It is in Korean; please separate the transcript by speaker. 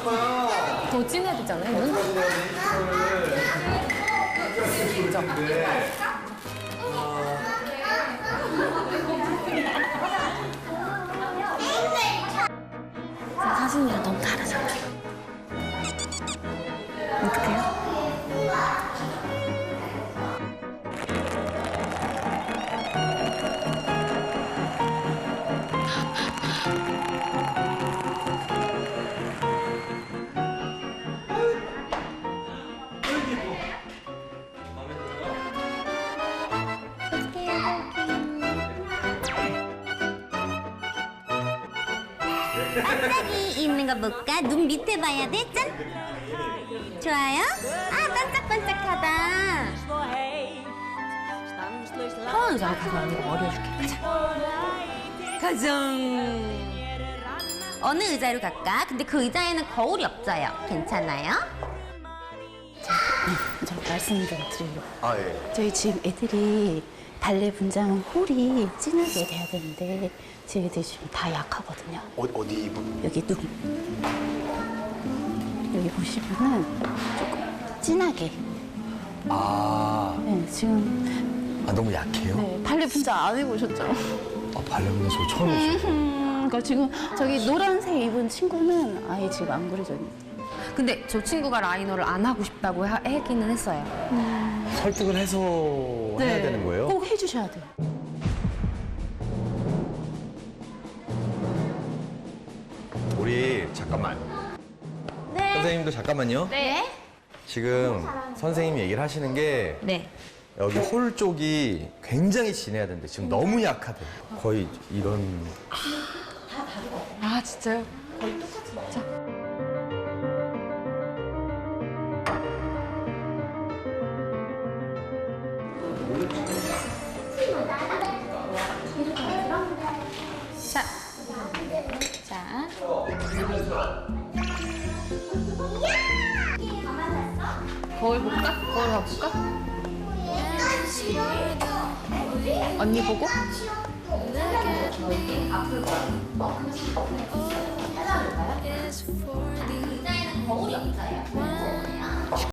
Speaker 1: 더 진해야 되잖아요, 눈? 그죠? 사진이랑 너무 다르잖아요. 어떡해요?
Speaker 2: 반짝이 있는 거 볼까? 눈 밑에 봐야 돼? 짠! 좋아요? 아, 반짝반짝하다.
Speaker 1: 편한 의자 가서 언니가 머리 해줄게.
Speaker 2: 가정. 어느 의자로 갈까? 근데 그 의자에는 거울이 없어요. 괜찮아요?
Speaker 3: 저 말씀 좀 드리려고.
Speaker 4: 아, 예.
Speaker 3: 저희 지금 애들이 발레 분장 홀이 진하게 돼야 되는데 저희 애들이 지금 다 약하거든요.
Speaker 4: 어디 부분?
Speaker 3: 여기 눈. 여기 보시면은 조금 진하게.
Speaker 4: 아,
Speaker 3: 네, 지금
Speaker 4: 너무 약해요?
Speaker 3: 네, 발레 분장 안 해보셨죠?
Speaker 4: 발레보는 저 처음 보셨어요.
Speaker 3: 그러니까 지금 저기 노란색 입은 친구는 아예 지금 안 그려져 있는.
Speaker 1: 근데 저 친구가 라이너를 안 하고 싶다고 하기는 했어요.
Speaker 4: 설득을 해서 해야 되는 거예요?
Speaker 3: 꼭 해주셔야 돼요.
Speaker 4: 우리 잠깐만.
Speaker 2: 네.
Speaker 4: 선생님도 잠깐만요.
Speaker 2: 네?
Speaker 4: 지금 선생님이 얘기를 하시는 게
Speaker 1: 네.
Speaker 4: 여기 홀 쪽이 굉장히 진해야 되는데 지금 너무 약하대. 거의 이런.
Speaker 1: 아, 진짜요?
Speaker 2: 자. 자.
Speaker 1: 거울 볼까? 거울 가볼까? 언니 보고?
Speaker 2: 거울이 없어요.